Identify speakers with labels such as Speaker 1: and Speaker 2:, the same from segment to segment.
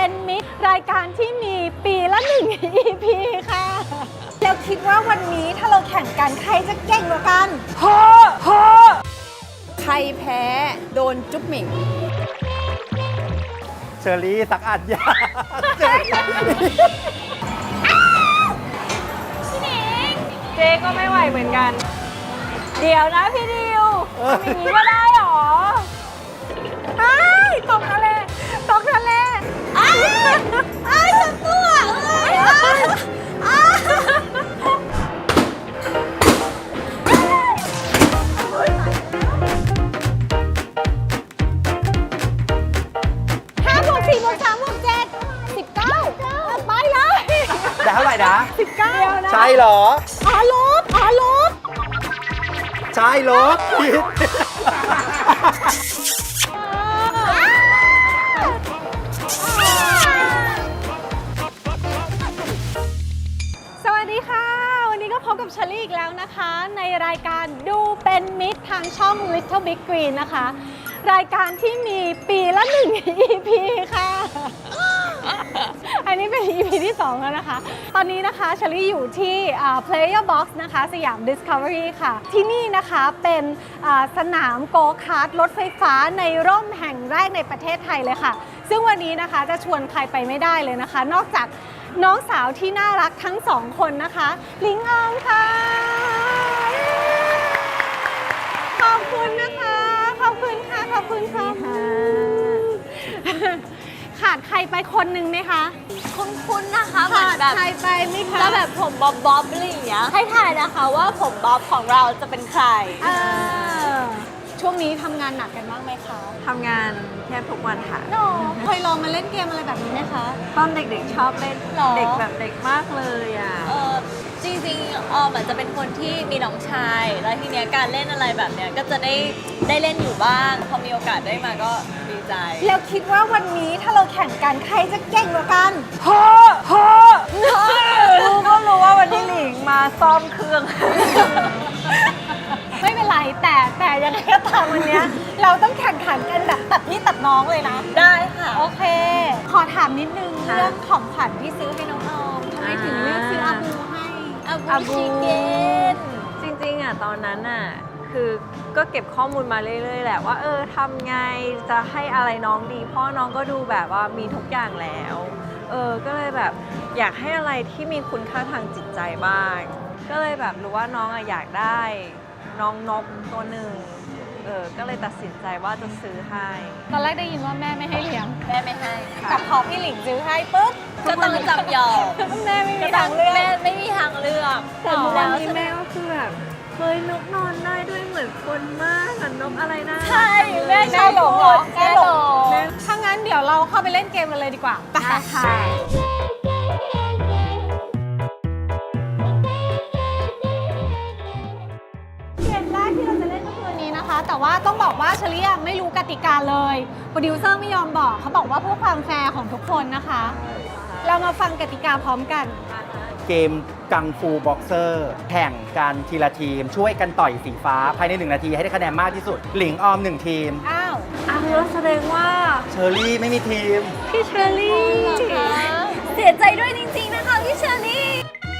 Speaker 1: เป็นมิตรรายการที่มีปีละ1 EP ค่ะแล้วคิดว่าวันนี้ถ้าเราแข่งกันใครจะเก่งกว่ากันใครแพ้โดนจุ๊บหมิง
Speaker 2: เชอรี่สักอัดยา
Speaker 1: พี่หนิงเจ๊ก็ไม่ไหวเหมือนกันเดี๋ยวนะพี่ดิวทำอย่างนี้ก็ได้หรอตกทะเลตกทะเลฉันตัวไปเลย
Speaker 2: ได้เท่าไหร่นะ
Speaker 1: 19นะ
Speaker 2: ใช่เหรอ
Speaker 1: ลบ
Speaker 2: ใช่ลบผิด
Speaker 1: สวัสดีค่ะวันนี้ก็พบกับเชอรี่อีกแล้วนะคะในรายการดูเป็นมิตรทางช่อง Little Big Green นะคะรายการที่มีปีละ1 EP ค่ะอันนี้เป็น EP ที่ 2 แล้วนะคะตอนนี้นะคะเชอรี่อยู่ที่ Player Box นะคะสยาม Discovery ค่ะที่นี่นะคะเป็นสนามโกคาร์ทรถไฟฟ้าในร่มแห่งแรกในประเทศไทยเลยค่ะซึ่งวันนี้นะคะจะชวนใครไปไม่ได้เลยนะคะนอกจากน้องสาวที่น่ารักทั้ง2 คนนะคะลิงอองค่ะขอบคุณนะคะขอบคุณค่ะขอบคุณค่ะขาดใครไปคนหนึ่งไหมคะ
Speaker 3: คุ้นๆนะคะเหมือนแบบ
Speaker 1: ใครไปไหมคะ
Speaker 3: แล้วแบบผมบ๊อบอะไรอย่างเงี้ยให้ถ่ายนะคะว่าผมบ๊อบของเราจะเป็นใคร
Speaker 1: ช่วงนี้ทำงานหนักกันบ้างไหมคะ
Speaker 3: ทำงานแทบทุกวันค่ะ
Speaker 1: เคยลองมาเล่นเกมอะไรแบบนี้ไหมคะ
Speaker 3: ตอนเด็กๆชอบเล่น
Speaker 1: หรอ
Speaker 3: เด็กแบบเด็กมากเลยอ่ะจริงๆออมอาจจะเป็นคนที่มีน้องชายแล้วทีเนี้ยการเล่นอะไรแบบเนี้ยก็จะได้เล่นอยู่บ้างพอมีโอกาสได้มาก็ดีใจ
Speaker 1: แล้วคิดว่าวันนี้ถ้าเราแข่งกันใครจะเก่งกว่ากัน
Speaker 3: รู้ก็รู้ว่าวันนี้หลิงมาซ่อมเครื่อง
Speaker 1: ไม่เป็นไรแต่ยังไงก็ตามวันนี้เราต้องแข่งขันกันแบบตัดพี่ตัดน้องเลยนะ
Speaker 3: ได้ค่ะ
Speaker 1: โอเค ขอถามนิดนึงเรื่องของขวัญที่ซื้อให้น้องออมทำไมถึงเลือกซื้ออาบูให้
Speaker 3: อาบูชิเกนจริงๆอ่ะตอนนั้นอ่ะคือก็เก็บข้อมูลมาเรื่อยๆแหละว่าทำไงจะให้อะไรน้องดีพ่อน้องก็ดูแบบว่ามีทุกอย่างแล้วก็เลยแบบอยากให้อะไรที่มีคุณค่าทางจิตใจบ้างก็เลยแบบรู้ว่าน้องอ่ะอยากได้น้องนกตัวหนึ่งก็เลยตัดสินใจว่าจะซื้อให้
Speaker 1: ตอนแรกได้ยินว่าแม่ไม่ให้เลี้ยง
Speaker 3: แม่ไม่ให้ค่ะ
Speaker 1: แต่พอพี่หลิงซื้อให้ปุ๊บ
Speaker 3: ก็ต้องจำยอม
Speaker 1: แม่ไม่มีทางเลือก
Speaker 3: แม่ไม่มีทางเลือก
Speaker 1: แต่วันนี้แม่ก็คือแบบ
Speaker 3: เฮ้ยนกนอนได้ด้วยเหมือนคนมากอะนกอะไรนะ
Speaker 1: ใช่แม่ชอบพูดแม่หลงถ้างั้นเดี๋ยวเราเข้าไปเล่นเกมกันเลยดีกว่าไปค่ะเกมแรกที่เราจะเล่นก็คือนี้นะคะแต่ว่าต้องบอกว่าเชอรี่ไม่รู้กติกาเลยโปรดิวเซอร์ไม่ยอมบอกเขาบอกว่าเพื่อความแฟร์ของทุกคนนะคะเรามาฟังกติกาพร้อมกัน
Speaker 2: เกมกังฟูบ็อกเซอร์แข่งกันทีละทีมช่วยกันต่อยสีฟ้าภายใน1 นาทีให้ได้คะแนนมากที่สุดหลิงออม1 ทีม
Speaker 3: แล้วแสดงว่า
Speaker 2: เชอรี่ไม่มีทีม
Speaker 3: พี่เชอรี่เสียใจด้วยจริงๆนะคะพี่เชอรี่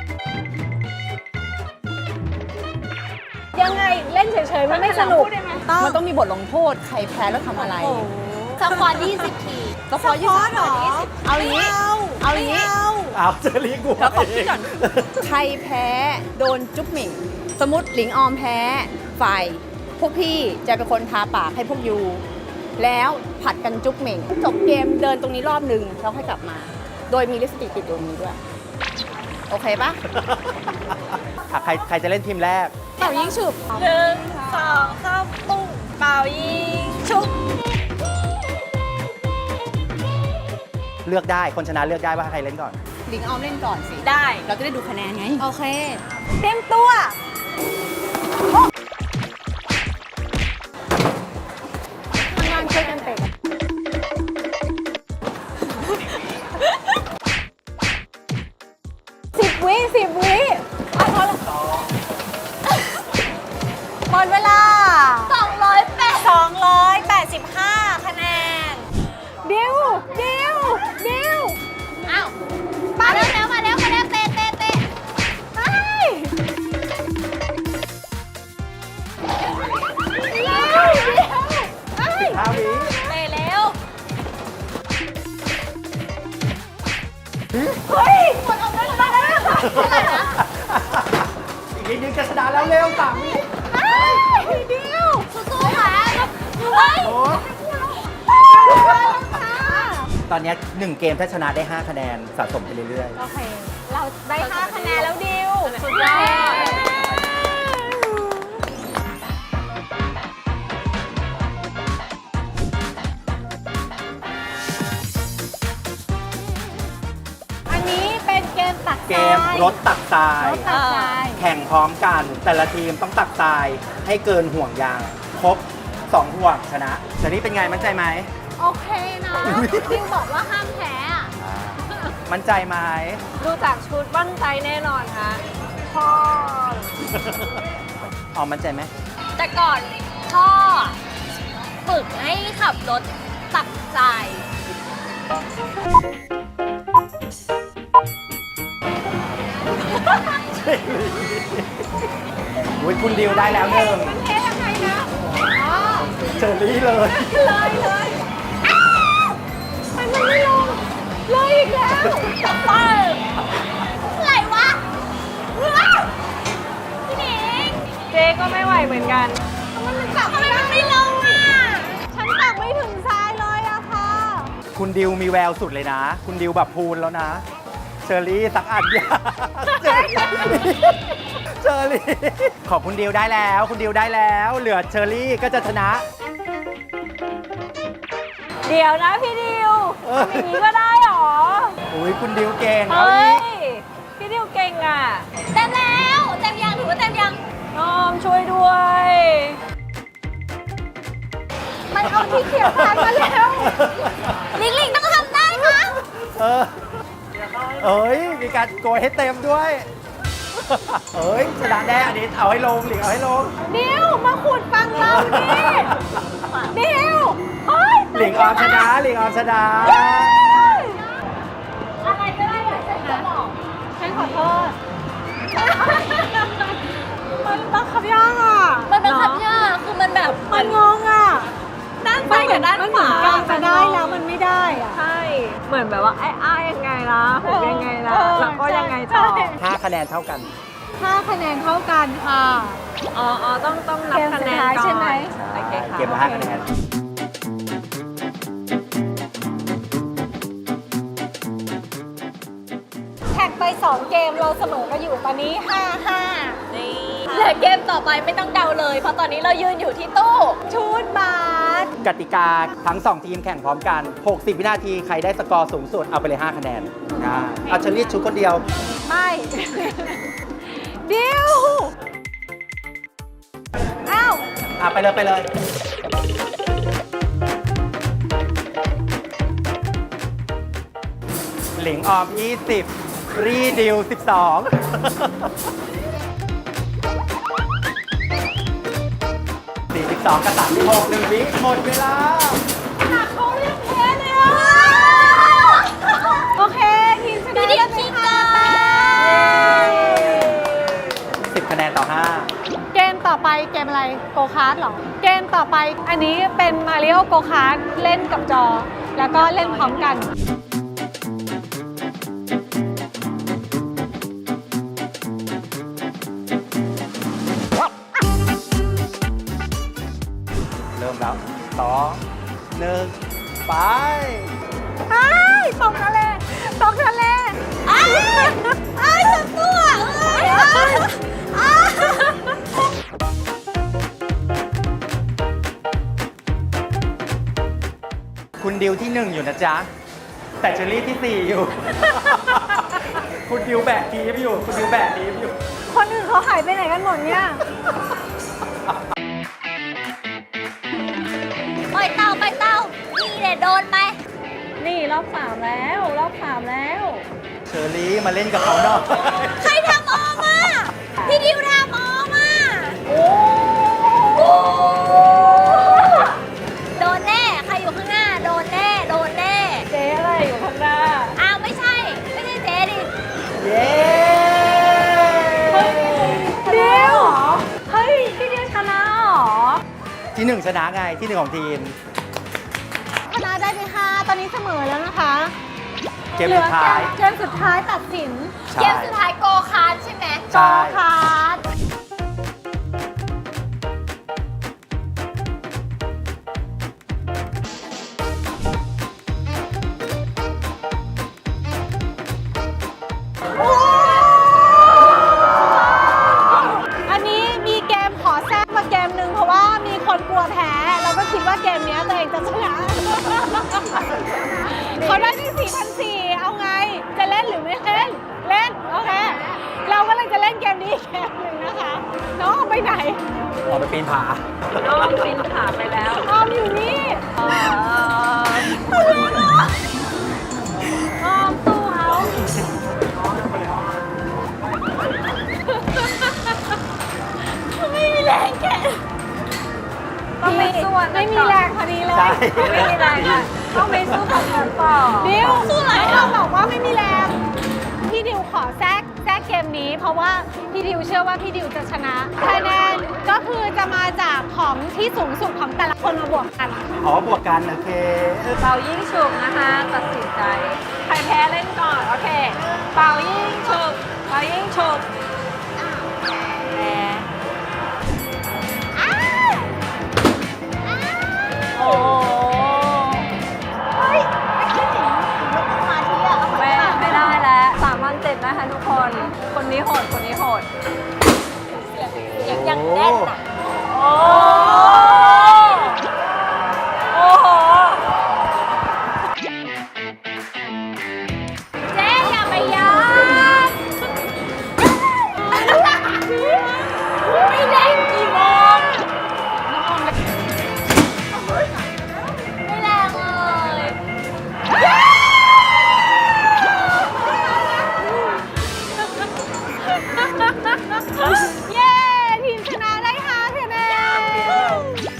Speaker 1: ยังไงเล่นเฉยๆมันไม่สนุก
Speaker 4: มันต้องมีบทลงโทษใครแพ้แล้วทำอะไร
Speaker 3: สควอต20 ที
Speaker 4: สควอต20
Speaker 1: หรอ
Speaker 4: เอาอย่างนี้เอาอย่างนี้
Speaker 2: เอาเชอรี่กู
Speaker 4: แล้วขอคิดก่อนใครแพ้โดนจุ๊บหมิ่งสมมติหลิงออมแพ้ฝ่ายพวกพี่จะเป็นคนทาปากให้พวกยูแล้วผัดกันจุ๊บหมิ่งจบเกมเดินตรงนี้รอบหนึ่งแล้วค่อยกลับมาโดยมีลิปสติกติดตรงนี้ด้วยโอเคปะ
Speaker 2: ใครจะเล่นทีมแรก
Speaker 1: เป่ายิงฉุบ
Speaker 3: 1 2 3ปุ้งเป่ายิงฉุบ
Speaker 2: เลือกได้คนชนะเลือกได้ว่าใครเล่นก่อน
Speaker 4: หลิงออมเล่นก่อนสิ
Speaker 3: ได้
Speaker 4: เราจะได้ดูคะแนนไง
Speaker 1: โอเคเตรียมตัวทำงานช่วยกันเตะ10 วิหมดเวลา285 คะแนนดิวเฮ้ยหมดออกได้แล้วได้แล้วค่ะเท่าไหร่นะ
Speaker 2: อีกนิดนึงจะชนะแล้วเร็ว3 วิ
Speaker 1: เดียวสู้ๆค่ะเฮ้ย
Speaker 2: โอ้
Speaker 1: ค่ะ
Speaker 2: ตอนนี้1 เกมถ้าชนะได้ 5 คะแนนสะสมไปเรื่อย
Speaker 1: โอเค เราได้ 5 คะแนนแล้วดิว
Speaker 3: สุดยอด
Speaker 1: อันนี้เป็นเกมตัก
Speaker 2: ๆ เก
Speaker 1: ทราย
Speaker 2: มรถตักทราย
Speaker 1: รถตักทราย
Speaker 2: แข่งพร้อมกัน แต่ละทีมต้องตักทรายให้เกินห่วงยาง ครบ 2 ห่วงชนะเดี๋ยวนี้เป็นไงมั่นใจไหม
Speaker 1: โอเคนะดิวบอกว่าห้ามแพ้อะ
Speaker 2: มั่นใจไหม
Speaker 3: ดูจากชุดมั่นใจแน่นอนค่ะพ่อ
Speaker 2: ออมมั่นใจไหม
Speaker 5: แต่ก่อนพ่อฝึกให้ขับรถตักทราย
Speaker 2: อุ้ยคุณดิวได้แล้วหนึ่ง
Speaker 1: มันเทยังไงนะอ๋อ
Speaker 2: เชอรี่เลย
Speaker 1: เลยอ้าวมันไม่ลงเลยอีกแล้ว
Speaker 5: อะไรวะว้าวพี่หนิง
Speaker 3: เจ๊ก็ไม่ไหวเหมือนกัน
Speaker 1: มันตัก
Speaker 5: ทำไมมันไม่ลงอ่ะ
Speaker 1: ฉันตักไม่ถึงทรายเลยอะค่ะ
Speaker 2: คุณดิวมีแววสุดเลยนะ คุณดิวแบบพูนแล้วนะ เชอรี่สักอันยาเชอรี่ขอบคุณดิวได้แล้ว คุณดิวได้แล้ว เหลือเชอรี่ก็จะชนะ
Speaker 3: เดี๋ยวนะพี่ดิว
Speaker 2: เออ
Speaker 3: ทำอย่างนี้ก็ได้เหรอ
Speaker 2: อุ้ยคุณดิวเก่งเอา
Speaker 3: เฮ้
Speaker 2: อี
Speaker 3: ย
Speaker 2: ก
Speaker 3: พี่ดิวเก่งอ่ะ
Speaker 5: เต็มแล้วเต็มยังถือว่าเต็มยัง
Speaker 3: น้อมช่วยด้วย
Speaker 1: มันเอาที่เขียนผ่านมาแล้ว
Speaker 5: ลิงลิงต้องทำได้นะ
Speaker 2: เออเอ้ย มีการโกยให้เต็มด้วย เอ้ยชนะแน่อันนี้เอาให้ลงหลิงเอาให้ลง
Speaker 1: ดิวมาขุดฟังเราดิดิวเฮ้ย
Speaker 2: หลิงออมชนะหลิงออมชนะ
Speaker 5: อะไรก็ได้อยากจะบอก
Speaker 1: ฉันขอโทษ มันบังคับยากอ่ะ
Speaker 5: มันเป็นคำยากคือมันแบบ
Speaker 1: มันงงอ่ะ
Speaker 5: ด้านซ้ายกับด้าน
Speaker 1: มัน
Speaker 5: ข
Speaker 1: เหมือ
Speaker 5: วาน
Speaker 1: กลางจะได้แล้วมันไม่ได้อ่ะ
Speaker 3: ใช่ เหมือนแบบว่าอ้ายยังไงล่ะผมยังไงล่ะ แล้วก็ยังไงต่อ
Speaker 1: ใช่
Speaker 2: 5 คะแนนเท่ากัน
Speaker 1: 5 คะแนนเท่ากันค่ะ
Speaker 3: อ๋อ ต้องนับคะแนน
Speaker 1: เกมสุดท้าย
Speaker 3: ก่อน
Speaker 1: ใช่ไหม
Speaker 3: โอเคค่ะ
Speaker 2: เกมละ5 คะแนน
Speaker 1: แท็กไป 2 เกมเราเสมอกันอยู่ตอนนี้ 5-5
Speaker 5: นี่เหลือเกมต่อไปไม่ต้องเดาเลย เพราะตอนนี้เรายืนอยู่ที่ตู้
Speaker 1: ชุดบาส
Speaker 2: กติกาทั้ง 2 ทีมแข่งพร้อมกัน 60 วินาที ใครได้สกอร์สูงสุด เอาไปเลย 5 คะแนนเอาเชอรี่ชุดคนเดียว
Speaker 1: ไม่ ดิวอ้าว
Speaker 2: ไปเลยไปเลย หลิงออม 20 รีดิว 12 42 กับ 36 1 วิหมดเวลา
Speaker 1: เขาเรียกแพ้เลยอ่ะ โอเค ทีมชนะ
Speaker 5: พี่ดิวคิงเกอร์
Speaker 2: 10 คะแนนต่อ 5
Speaker 1: เกมต่อไปเกมอะไร โกคาร์ดเหรอ เกมต่อไปอันนี้เป็นมาริโอโกคาร์ดเล่นกับจอ แล้วก็เล่นพร้อมกัน
Speaker 2: เริ่มแล้ว 2 1 ไป
Speaker 1: อ้ายตกทะเลตกทะเลอ้ายอ้ายจับตัวอ้ายอ้าย
Speaker 2: คุณดิวที่ 1 อยู่นะจ๊ะ แต่เชอรี่ที่ 4 อยู่ คุณดิวแบกทีมอยู่ คุณดิวแบกทีมอยู่
Speaker 1: คนอื่นเขาหายไปไหนกันหมดเนี่ย
Speaker 5: ปล่อยเต่านี่เดี๋ยวโดนไป
Speaker 3: นี่รอบ3แล้วรอบ3แล้ว
Speaker 2: เชอรี่มาเล่นกับเขาหน่อย
Speaker 5: ใครทำออมอ่ะ พี่ดิวทำออมอ่ะ
Speaker 3: โอ้
Speaker 5: โดนแน่ ใครอยู่ข้างหน้า โดนแน่ โดนแน่
Speaker 3: เจ๊อะไรอยู่ข้างหน้า
Speaker 5: อ้าวไม่ใช่ ไม่ใช่เจ๊ดิ
Speaker 2: เย้
Speaker 1: ดิว
Speaker 3: เฮ้ย พี่ดิวชนะเหรอ
Speaker 2: ที่ 1 ชนะไงที่ 1 ของทีม
Speaker 1: ชนะได้ไป5ตอนนี้เสมอแล้วนะคะ
Speaker 2: เกมสุดท้าย
Speaker 1: เกมสุดท้ายตัดสิน
Speaker 2: ใช่
Speaker 5: เกมสุดท้ายโกคาร์ทใช่ไหม
Speaker 2: ใช่
Speaker 1: คาร์ดอันนี้มีเกมขอแทรกมาเกมหนึ่งเพราะว่ามีคนกลัวแพ้ เราก็คิดว่าเกมเนี้ยตัวเองจะชนะ เขาได้ที่4,400เอาไง จะเล่นหรือไม่เล่น เล่น โอเค เราก็เลยจะเล่นเกมนี้อีกเกมหนึ่งนะคะ น้องเอาไปไหน
Speaker 2: ออกไปปีนผา
Speaker 3: น้องปีนผาไปแล้ว
Speaker 1: ออมอยู่นี่
Speaker 3: เอ่อ
Speaker 1: ออมสู้เขาไม่มีแรงแก
Speaker 3: ต้องไปสู้อัน
Speaker 1: ไม่
Speaker 3: นั้น
Speaker 1: มี
Speaker 3: ก่อน
Speaker 1: แรงพอดีเลย
Speaker 2: ใช่
Speaker 3: ไม่มีแรงอ่ะต้องไปสู้กับมันต่อ
Speaker 1: ดิวสู้ไหนเราบอกว่าไม่มีแรง พี่ดิวขอแทรกเกมนี้ เพราะว่าพี่ดิวเชื่อว่าพี่ดิวจะชนะคะแนนก็คือจะมาจากของที่สูงสุดของแต่ละคนมาบวกกัน
Speaker 2: อ๋อบวกกันโอเค
Speaker 3: เป่ายิ่งฉุบนะคะ ตัดสินใจ ใครแพ้เล่นก่อน โอเค เป่ายิ่งฉุบเป่ายิ่งฉุบแพ้โอ้โหไม่ได้แล้ว3,700นะคะทุกคน คนนี้โหด คนนี้โหด
Speaker 5: อย่างแน่นอ่ะ
Speaker 3: โอ้โอ้โห
Speaker 5: เจ๊อย่าไปยอมไม่เล่นกี่โมงไม่แรงเลย
Speaker 1: เย้ ทีมชนะได้5คะแนน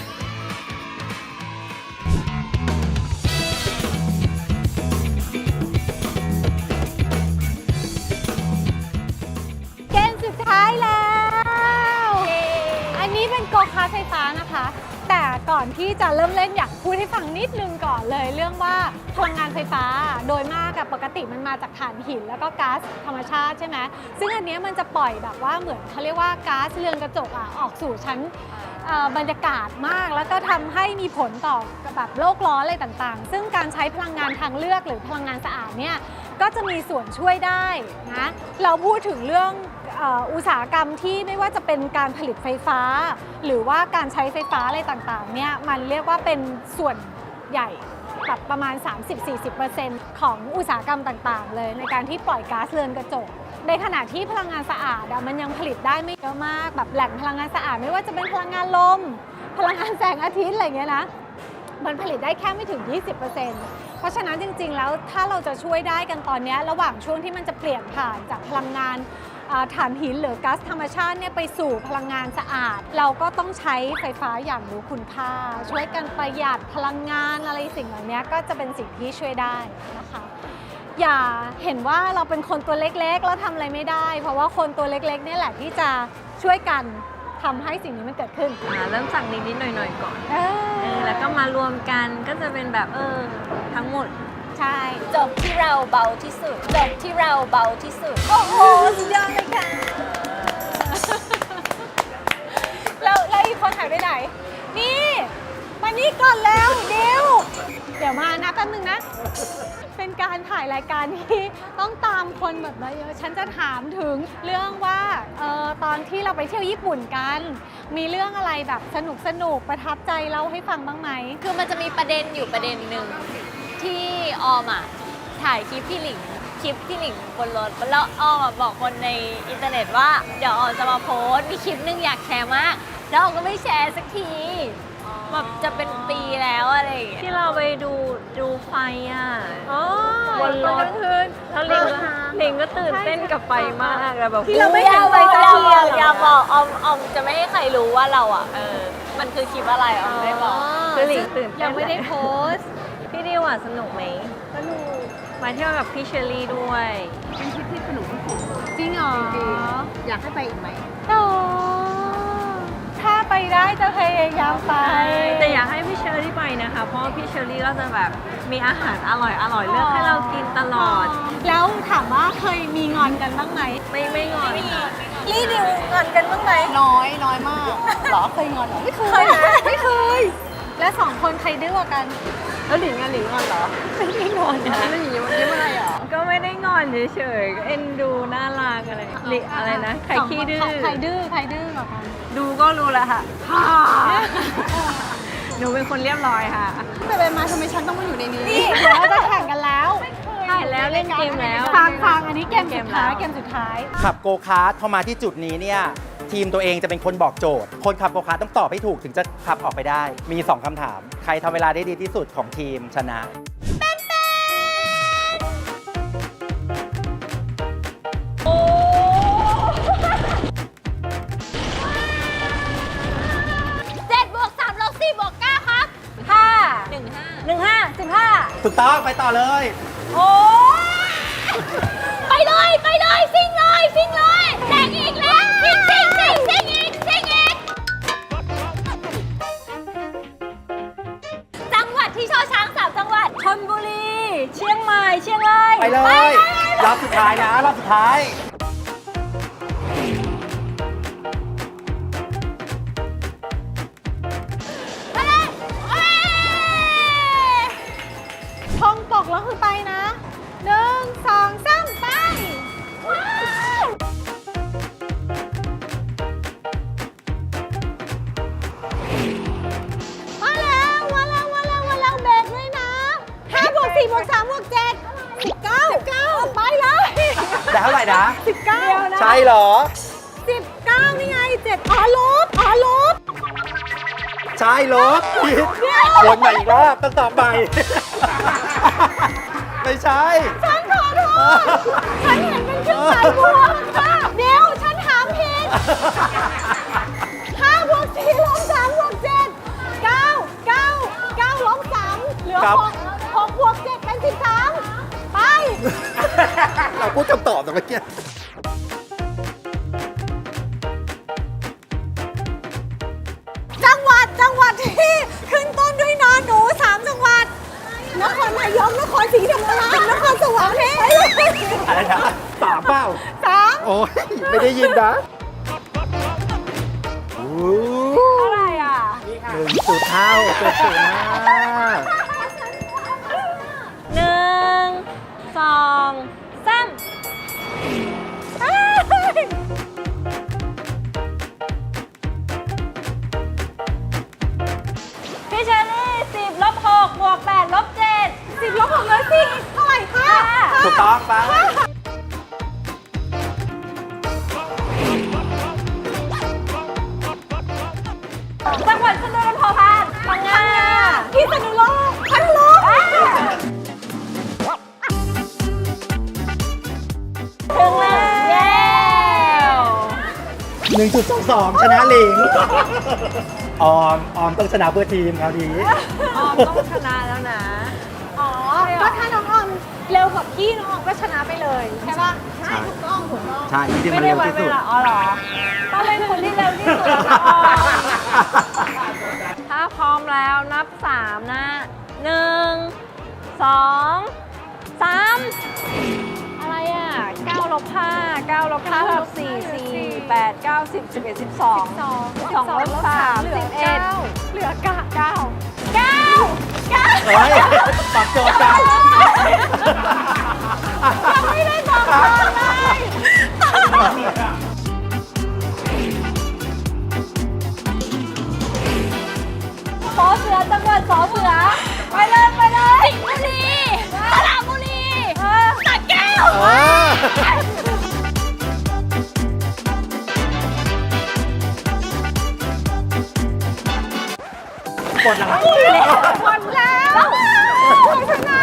Speaker 1: เกมสุดท้ายแล้ว อันนี้เป็นโกคาร์ทไฟฟ้านะคะ แต่ก่อนที่จะเริ่มเล่นอยากพูดให้ฟังนิดนึงก่อนเลย เรื่องว่าพลังงานไฟฟ้าโดยมากกับปกติมันมาจากถ่านหินแล้วก็ก๊าซธรรมชาติใช่ไหมซึ่งอันเนี้ยมันจะปล่อยแบบว่าเหมือนเขาเรียกว่าก๊าซเรือนกระจกออกสู่ชั้นบรรยากาศมากแล้วก็ทำให้มีผลต่อแบบโลกร้อนอะไรต่างๆ ซึ่งการใช้พลังงานทางเลือกหรือพลังงานสะอาดเนี่ยก็จะมีส่วนช่วยได้นะเราพูดถึงเรื่องอุตสาหกรรมที่ไม่ว่าจะเป็นการผลิตไฟฟ้า หรือว่าการใช้ไฟฟ้าอะไรต่างๆเนี่ยมันเรียกว่าเป็นส่วนใหญ่แบบประมาณ 30-40% ของอุตสาหกรรมต่างๆ เลยในการที่ปล่อยก๊าซเรือนกระจก ในขณะที่พลังงานสะอาดมันยังผลิตได้ไม่เยอะมากแบบแหล่งพลังงานสะอาดไม่ว่าจะเป็นพลังงานลม พลังงานแสงอาทิตย์อะไรเงี้ยนะมันผลิตได้แค่ไม่ถึง 20%เพราะฉะนั้นจริงๆแล้วถ้าเราจะช่วยได้กันตอนนี้ระหว่างช่วงที่มันจะเปลี่ยนผ่านจากพลังงานถ่านหินหรือก๊าซธรรมชาติเนี่ยไปสู่พลังงานสะอาด เราก็ต้องใช้ไฟฟ้าอย่างรู้คุณค่าช่วยกันประหยัดพลังงานอะไรสิ่งเหล่านี้ก็จะเป็นสิ่งที่ช่วยได้นะคะอย่าเห็นว่าเราเป็นคนตัวเล็กๆแล้วทำอะไรไม่ได้ เพราะว่าคนตัวเล็กๆนี่แหละที่จะช่วยกันทำให้สิ่งนี้มันเกิดขึ้น
Speaker 3: เริ่มจากนิดๆหน่อยๆก่อน
Speaker 1: เออ
Speaker 3: แล้วก็มารวมกันก็จะเป็นแบบทั้งหมด
Speaker 1: ใช่
Speaker 5: จบที่เราเบาที่สุด จบที่เราเบาที่สุด โอ้โห สุดยอดเลยค่ะ
Speaker 1: แล้วอีกคนหายไปไหน นี่มานี่ก่อนแล้วเดี๋ยวมานะแป๊บนึงนะ เป็นการถ่ายรายการที่ต้องตามคนแบบเยอะฉันจะถามถึงเรื่องว่าตอนที่เราไปเที่ยวญี่ปุ่นกัน มีเรื่องอะไรแบบสนุกประทับใจเล่าให้ฟังบ้างไหม
Speaker 5: คือมันจะมีประเด็นอยู่ประเด็นหนึ่งที่ออมอ่ะถ่ายคลิปพี่หลิงบนรถแล้วออมอะบอกคนในอินเทอร์เน็ตว่าเดี๋ยวออมจะมาโพสต์มีคลิปหนึงอยากแชร์มากแล้วออมก็ไม่แชร์สักทีแบบจะเป็นปีแล้วอะไรอย่างเงี้ย
Speaker 3: ที่เราไปดูไฟอ่ะ
Speaker 1: อ๋อบ
Speaker 3: นรถ แล้วลิงก็ตื่นเต้นกับไฟมากแล้วแบบ
Speaker 1: ที่เราไม่เห็นไฟสักทีอะ
Speaker 5: อย่าบอกออมจะไม่ให้ใครรู้ว่าเราอ่ะมันคือคลิปอะไรออมไม่บอก
Speaker 3: คือลิงตื่นเต้น
Speaker 1: ยังไม่ได้โพสต์
Speaker 3: พี่ดิวอ่ะสนุกไหม
Speaker 1: สนุก
Speaker 3: มาเที่ยวกับพี่เชอรี่ด้วย
Speaker 1: จริงเหรอ
Speaker 4: อยากให้ไปอีกไหม
Speaker 1: โอ้ถ้าไปได้จะพยายามไป
Speaker 3: แต่อยากให้พี่เชอรี่ไปนะคะ เพราะว่าพี่เชอรี่ก็จะแบบมีอาหารอร่อยเลือกให้เรากินตลอด
Speaker 1: แล้วถามว่าเคยมีงอนกันบ้างไหม
Speaker 3: ไม่งอน
Speaker 1: ลี่ดิวงอนกันบ้างไหม
Speaker 4: น้อยมากเหรอเคยงอนเหรอไม่เคย
Speaker 1: ไม่เคย แล้วสองคนใครดื้อกว่ากัน
Speaker 4: แล้วหลิงงอนเหรอ
Speaker 1: ไม่ได้งอนนะ
Speaker 4: แล้วหลิงยิ้มอะไรเหรอ
Speaker 3: ก็ไม่ได้งอนเฉยๆก็เอ็นดูน่ารักอะไรนะใครขี้ดื้อ
Speaker 1: ใครดื้อกว่ากัน
Speaker 3: ดูก็รู้แล้วค่ะ หนูเป็นคนเรียบร้อยค่ะ
Speaker 4: ไปมาทำไมฉันต้องมาอยู่ในนี้
Speaker 1: นี่เดี๋ยวเราจะแข่งกันแล้ว
Speaker 3: ถ่ายแล้วเล่นเกมแล้ว
Speaker 1: ฟังอันนี้เกมสุดท้าย
Speaker 2: ขับโกคาร์ทพอมาที่จุดนี้เนี่ยทีมตัวเองจะเป็นคนบอกโจทย์ คนขับโกคาร์ทต้องตอบให้ถูกถึงจะขับออกไปได้ มี 2คำถาม ใครทำเวลาได้ดีที่สุดของทีมชนะ
Speaker 5: 7 บวก 3 ลบ 4 บวก 9 ครับ 15
Speaker 2: ถูกต้องไปต่อเลย
Speaker 5: ไปเลยซิ่งเลยแซงอีกแล้วซิ่งอีกจังหวัดที่ช่อช้าง3จังหวัด
Speaker 3: ชลบุรี เชียงใหม่ เชียงราย
Speaker 2: ไปเลย รอบสุดท้ายนะรอบสุดท้าย
Speaker 1: ท่องตกแล้วคือไปนะ1 2 3 ไป มาแล้วเบรกด้วยนะ5 บวก 4 บวก 3 บวก 7 19 ไปเลย
Speaker 2: ได้เท่าไหร่นะ
Speaker 1: 19 นะ
Speaker 2: ใช่เหรอ
Speaker 1: 19 นี่ไง 7 ลบ
Speaker 2: ใช่ลบผิดวนใหม่อีกรอบต้องตอบใหม่ ไม่ใช่
Speaker 1: ฉันขอโทษ ฉันเห็นเป็นเครื่องหมายบวกค่ะเดี๋ยวฉันถามผิด5 บวก 4 ลบ 3 บวก 7 9 ลบ 3 เหลือ
Speaker 2: ครับ
Speaker 1: 6 บวก 7 เป็น 13 ไป
Speaker 2: เราพูดคำตอบแต่เมื่อกี้
Speaker 1: จังหวัดที่ขึ้นต้นด้วยนอนหนู 3 จังหวัด นครนายก นครศรีธรรมราช นครสวรรค์ไปเลย
Speaker 2: อะไรนะสามเปล่า
Speaker 1: 3
Speaker 2: โอ้ยไม่ได้ยินนะโอ้
Speaker 1: เท่าไหร่อ่ะ
Speaker 2: 1.5เกิดสูงมาก
Speaker 3: 1 2 3 พี่เชอรี่10 ลบ 6 บวก 8 ลบ 7
Speaker 1: 10 ลบ 6 เหลือ 4 เท่าไหร่คะ
Speaker 2: ถูกต้องปะ
Speaker 3: จังหวัดสนุนพอพานพังงา
Speaker 1: พิษณุโลกพัทลุง
Speaker 3: ถึงแล้ว
Speaker 2: 1.22 ชนะหลิง ออมต้องชนะเพื่อทีมคราวนี้
Speaker 3: ออมต้องชนะแล้วนะ
Speaker 1: อ๋อ ก็ถ้าน้องออมเร็วกว่าพี่น้องออมก็ชนะไปเลยใช่ป่ะ ใช่ถูกต้อง
Speaker 2: ใช่จริงๆ
Speaker 3: ไม่
Speaker 2: มัน
Speaker 3: ได้
Speaker 2: เร็ว
Speaker 3: ไว้
Speaker 2: ที่
Speaker 3: เว
Speaker 2: สุด
Speaker 3: ลาอ๋อเหรอต้องเป็นคนที่เร็วที่สุดแล้วค่ะออมถ้าพร้อมแล้วนับ 3 นะ 1 2 3 อะไรอ่ะ9 ลบ 5 9 ลบ 5 ลบ 4 4 8 9 10 11 12 2 ลบ 3
Speaker 1: เหลือ
Speaker 3: 11
Speaker 1: 9เหลือ9
Speaker 2: เฮ้ยตอบโจทย์กัน
Speaker 1: ยังไม่ได้บอกก่อนเลย
Speaker 3: สอเสือจังหวัดสอเสือไปเลย
Speaker 5: สิงห์บุรีสระบุรีสระแก้ว
Speaker 2: เออหมดแล้ว
Speaker 1: หมดแล้วเขาชนะ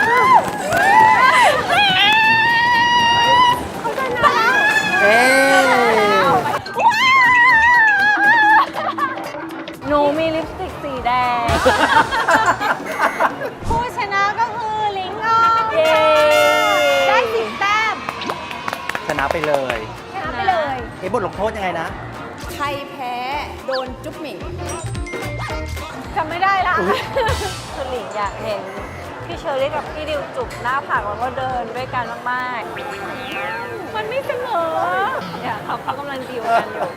Speaker 1: เขาชนะ
Speaker 2: เอ๊ะ
Speaker 3: หนูมีลิปสติกสีแดง
Speaker 1: ผู้ชนะก็คือลิงออม
Speaker 3: เย้
Speaker 1: ได้10 แต้ม
Speaker 2: ชนะไปเลย
Speaker 1: ชนะไปเลย
Speaker 2: บทลงโทษยังไงนะ
Speaker 4: ใครแพ้โดนจุ๊บหมิง
Speaker 1: จำไม่ได้ละ
Speaker 3: คือหลิงอยากเห็นพี่เชอรี่กับพี่ดิวจุบหน้าผากแล้วก็เดินด้วยกันมาก
Speaker 1: มันไม่เสมอ
Speaker 3: ๆเนี่ยเขากำลังดีลกันอยู่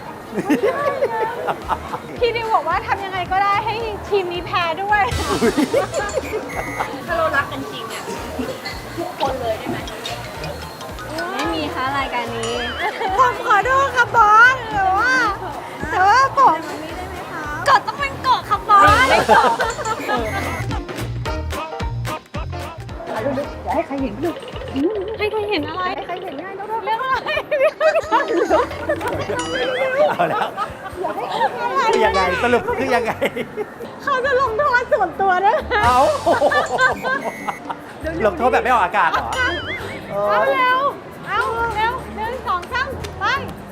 Speaker 1: พี่ดิวบอกว่าทำยังไงก็ได้ให้ทีมนี้แพ้ด้วย
Speaker 4: ถ้าเรารักกันจริงเนี่ยทุกคนเลยได้ไหม
Speaker 3: ไม่มีค่ะรายการนี้
Speaker 1: ผมขอโทษครับบอสแต่ว่าผม
Speaker 5: กดต้องเป็นเกาะค่ะบอส
Speaker 1: ให้ใครเห็นอะไรให้ใครเห็นง่ายเรื่องอะไร
Speaker 2: เอาแล้วคือยังไงสรุปคือยังไง
Speaker 1: เขาจะลงโทษส่วนตัวด้วยนะ
Speaker 2: เอาลงโทษแบบไม่ออกอากาศเหรอเออ
Speaker 1: เอาเร็วเอาเร็ว1 2 3ไป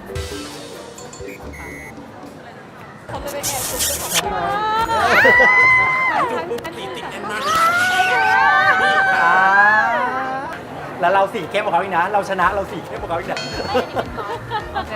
Speaker 1: เขาจะไปแอบจุ๊บเจ้าของบ้านตีติดแน่นมาก
Speaker 2: แล้วเราสีเข้มกว่าเขาอีกนะ เราชนะเราสีเข้มกว่าเขาอีกนะ
Speaker 3: โอเค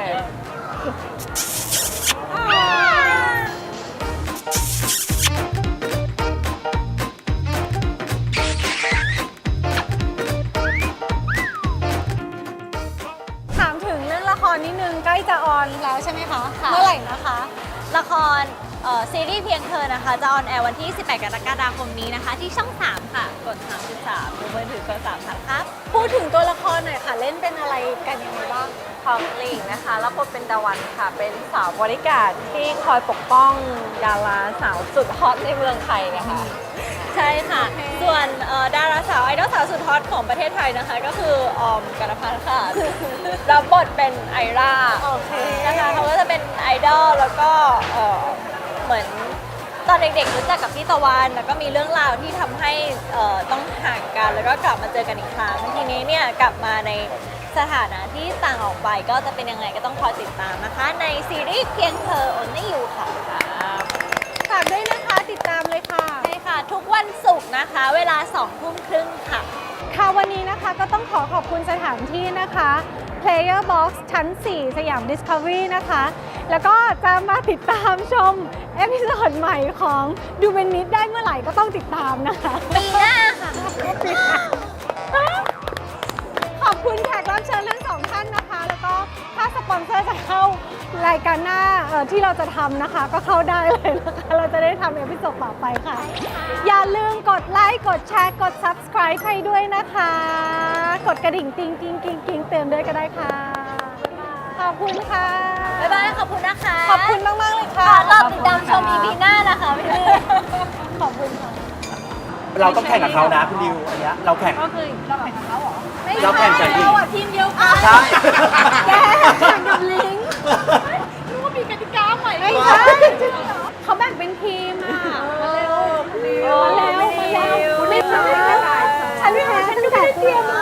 Speaker 1: ถามถึงเรื่องละครนิดนึงใกล้จะออนแล้วใช่ไหมคะ
Speaker 5: ค่ะ
Speaker 1: เมื่อไหร่นะคะ
Speaker 5: ละครซีรีส์เพียงเธอนะคะ จะออนแอร์วันที่ 18 กรกฎาคมนี้นะคะ ที่ช่อง 3 ค่ะ กด 33ดูมือถือกด3ครับ
Speaker 1: พูดถึงตัวละครหน่อยค่ะ เล่นเป็นอะไรกันยังไงบ้าง
Speaker 3: ของหลิงนะคะรับบทเป็นตะวันค่ะ เป็นสาวบริการดที่คอยปกป้องดาราสาวสุดฮอตในเมืองไทยนะคะ
Speaker 5: ใช่ค่ะ ส่วนดาราสาวไอดอลสาวสุดฮอตของประเทศไทยนะคะ ก็คือออมกัณพัฒน์ค่ะ รับบทเป็นไอร่า
Speaker 1: โอเค
Speaker 5: นะคะเขาก็จะเป็นไอดอลแล้วก็เหมือนตอนเด็กๆรู้จักกับพี่ตะวันแล้วก็มีเรื่องราวที่ทำให้ต้องห่างกันแล้วก็กลับมาเจอกันอีกครั้งทีนี้เนี่ยกลับมาในสถานะที่ต่างออกไปก็จะเป็นยังไงก็ต้องคอยติดตามนะคะ ในซีรีส์เพียงเธอ Only You ค่ะ
Speaker 1: ฝากด้วยนะคะ ติดตามเลยค่ะ
Speaker 5: ใช่ค่ะ ทุกวันศุกร์นะคะ เวลา 20:30 ค่ะ
Speaker 1: ค่ะวันนี้นะคะก็ต้องขอบคุณสถานที่นะคะ Player Box ชั้น 4 สยาม Discovery นะคะ แล้วก็จะมาติดตามชมเอพิโซดใหม่ของดูเป็นนิดได้เมื่อไหร่ก็ต้องติดตามนะคะ
Speaker 5: ปีหน้าค่ะ
Speaker 1: ขอบคุณแขกรับเชิญทั้งสองท่านนะคะ แล้วก็ถ้าสปอนเซอร์จะเข้ารายการหน้าที่เราจะทำนะคะ ก็เข้าได้เลยนะคะ เราจะได้ทำเอพิโซดต่อไปค่ะ อย่าลืมกดไลค์ กดแชร์ กด subscribe ให้ด้วยนะคะ กดกระดิ่งติ๊งติ๊งกิ๊งกิ๊งเตือนด้วยก็ได้ค่ะ ขอบคุณค่ะ
Speaker 5: บ๊ายบาย ขอบคุณนะคะ
Speaker 1: ขอบคุณมาก ๆ เลยค่ะ
Speaker 5: ค่ะรอบติดตามชม EP หน้านะคะพี่ดิว
Speaker 1: ขอบคุณค่ะ
Speaker 2: เราต้องแข่งกับเขานะคุณดิวอันเนี้ยเราแข่ง
Speaker 3: ก็คือเราแข่งกับเขาเหรอ
Speaker 2: เราแข่งกับลิง
Speaker 1: เราอะทีมเดียวกัน
Speaker 2: ใช่
Speaker 1: แกแข่งกับลิงรู้ว่ามีกติกาใหม่ไม่ใช่เขาแบ่งเป็นทีมอ่ะมาเร็วมาเร็วมาเร็วไม่ใช่ฉันแพ้ฉันไม่ได้เตรียมมา